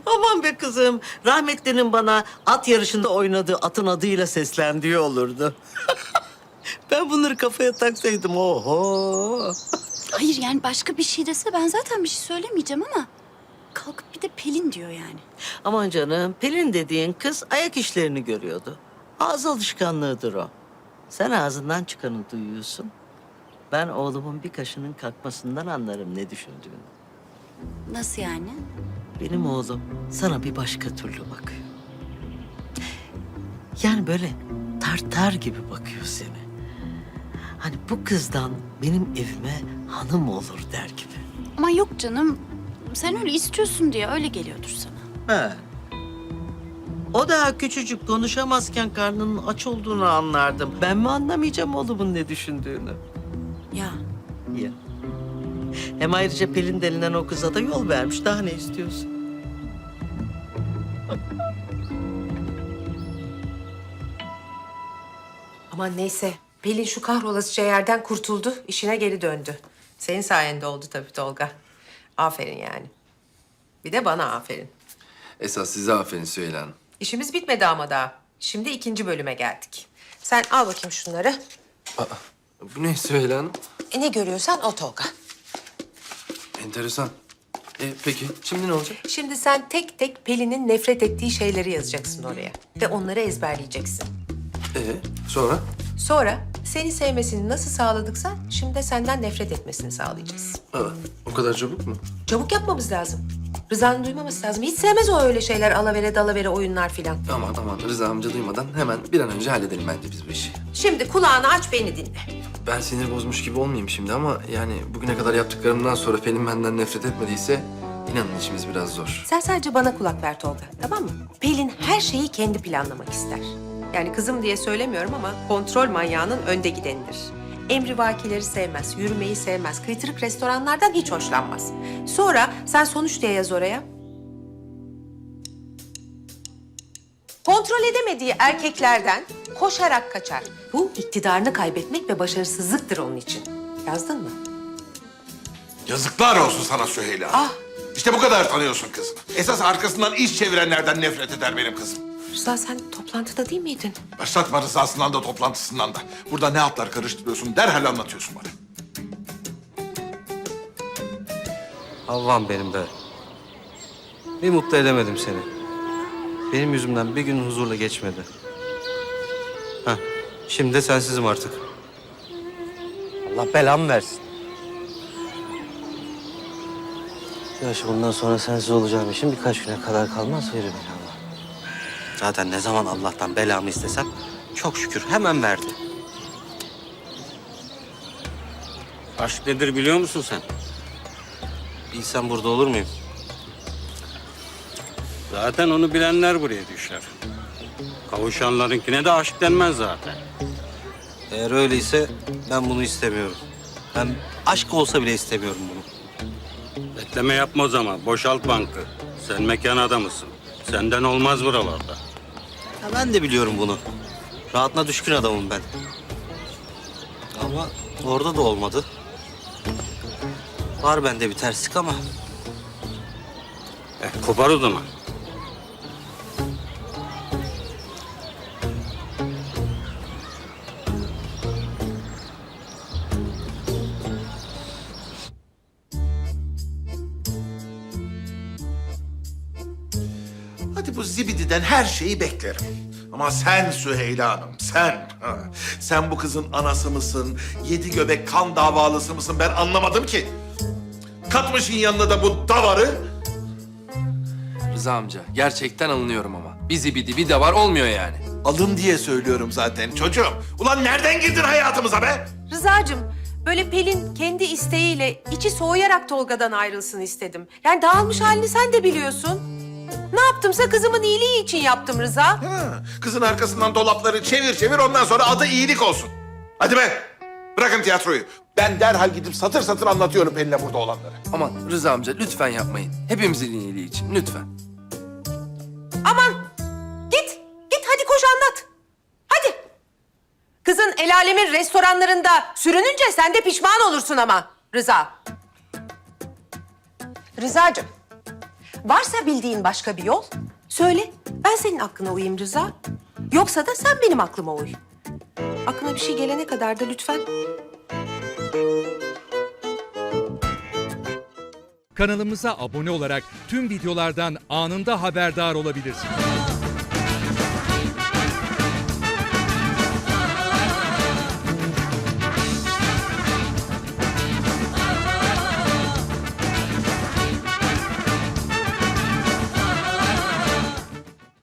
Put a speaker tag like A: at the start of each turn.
A: Aman be kızım. Rahmetlinin bana at yarışında oynadığı atın adıyla seslendiği olurdu. Ben bunları kafaya taksaydım oho.
B: Hayır yani başka bir şey dese ben zaten bir şey söylemeyeceğim ama... ...kalkıp bir de Pelin diyor yani.
A: Aman canım, Pelin dediğin kız ayak işlerini görüyordu. Ağız alışkanlığıdır o. Sen ağzından çıkanı duyuyorsun. Ben oğlumun bir kaşının kalkmasından anlarım ne düşündüğünü.
B: Nasıl yani?
A: Benim oğlum sana bir başka türlü bakıyor. Yani böyle tartar gibi bakıyor seni. Hani bu kızdan benim evime hanım olur der gibi.
B: Ama yok canım. Sen öyle istiyorsun diye öyle geliyordur sana.
A: He. O daha küçücük konuşamazken karnının aç olduğunu anlardım. Ben mi anlamayacağım oğlumun ne düşündüğünü?
B: Ya
A: Ya. Hem ayrıca Pelin denilen o kıza da yol vermiş. Daha ne istiyorsun?
C: Aman neyse. Pelin şu kahrolasıca yerden kurtuldu. İşine geri döndü. Senin sayende oldu tabii Tolga. Aferin yani. Bir de bana aferin.
D: Esas size aferin Süheyla Hanım.
C: İşimiz bitmedi ama daha. Şimdi 2. bölüme geldik. Sen al bakayım şunları.
D: Bu ne Süheyla Hanım?
C: Ne görüyorsan o Tolga.
D: Enteresan. Peki şimdi ne olacak?
C: Şimdi sen tek tek Pelin'in nefret ettiği şeyleri yazacaksın oraya. Ve onları ezberleyeceksin.
D: Sonra?
C: Sonra seni sevmesini nasıl sağladıksa şimdi de senden nefret etmesini sağlayacağız.
D: O kadar çabuk mu?
C: Çabuk yapmamız lazım. Rıza'nın duymaması lazım. Hiç sevmez o öyle şeyler, alavere dalavere oyunlar filan.
D: Aman Rıza amca duymadan hemen bir an önce halledelim bence biz bu işi.
C: Şimdi kulağını aç, beni dinle.
D: Ben sinir bozmuş gibi olmayayım şimdi ama yani bugüne kadar yaptıklarımdan sonra Pelin benden nefret etmediyse inanın işimiz biraz zor.
C: Sen sadece bana kulak ver Tolga, tamam mı? Pelin her şeyi kendi planlamak ister. Yani kızım diye söylemiyorum ama kontrol manyağının önde gidenidir. Emrivakileri sevmez, yürümeyi sevmez, kıytırık restoranlardan hiç hoşlanmaz. Sonra sen sonuç diye yaz oraya. Kontrol edemediği erkeklerden koşarak kaçar. Bu iktidarını kaybetmek ve başarısızlıktır onun için. Yazdın mı?
E: Yazıklar olsun sana Süheyla.
C: Ah!
E: İşte bu kadar tanıyorsun kızını. Esas arkasından iş çevirenlerden nefret eder benim kızım.
C: Rıza sen toplantıda değil miydin?
E: Başlatma rızasından da toplantısından da. Burada ne hatlar karıştırıyorsun derhal anlatıyorsun bana.
F: Havvam benim be. Bir mutlu edemedim seni. Benim yüzümden bir gün huzurla geçmedi. Heh, şimdi de sensizim artık. Allah belamı versin. Yaş bundan sonra sensiz olacağım işim birkaç güne kadar kalmaz verir beni Allah. Zaten ne zaman Allah'tan belamı istesem çok şükür hemen verdi.
G: Aşk nedir biliyor musun sen?
F: Bilsem burada olur muyum?
G: Zaten onu bilenler buraya düşer. Kavuşanlarınkine de aşk denmez zaten.
F: Eğer öyleyse ben bunu istemiyorum. Ben aşk olsa bile istemiyorum bunu.
G: Bekleme yapma o zaman. Boşalt bankı. Sen mekan adamısın. Senden olmaz buralarda.
F: Ya ben de biliyorum bunu. Rahatına düşkün adamım ben. Ama orada da olmadı. Var bende bir terslik ama.
G: Kopar o zaman.
E: Hadi bu zibididen her şeyi beklerim. Ama sen Süheyla Hanım, sen. Sen bu kızın anası mısın? 7 göbek kan davalısı mısın? Ben anlamadım ki. Katmışın yanına da bu davarı.
D: Rıza amca gerçekten alınıyorum ama. Bizi bir de var olmuyor yani.
E: Alın diye söylüyorum zaten çocuğum. Ulan nereden girdin hayatımıza be?
C: Rıza'cığım, böyle Pelin kendi isteğiyle içi soğuyarak Tolga'dan ayrılsın istedim. Yani dağılmış halini sen de biliyorsun. Ne yaptımsa kızımın iyiliği için yaptım Rıza.
E: Ha, kızın arkasından dolapları çevir ondan sonra adı iyilik olsun. Hadi be. Bırakın tiyatroyu. Ben derhal gidip satır satır anlatıyorum Pelin'e burada olanları.
D: Aman Rıza amca lütfen yapmayın. Hepimizin iyiliği için lütfen.
C: Aman git hadi koş anlat. Hadi. Kızın el alemin restoranlarında sürününce sen de pişman olursun ama Rıza. Rızacığım, Varsa bildiğin başka bir yol, söyle. Ben senin aklına uyayım Rıza. Yoksa da sen benim aklıma uy. Aklına bir şey gelene kadar da lütfen.
H: Kanalımıza abone olarak tüm videolardan anında haberdar olabilirsiniz.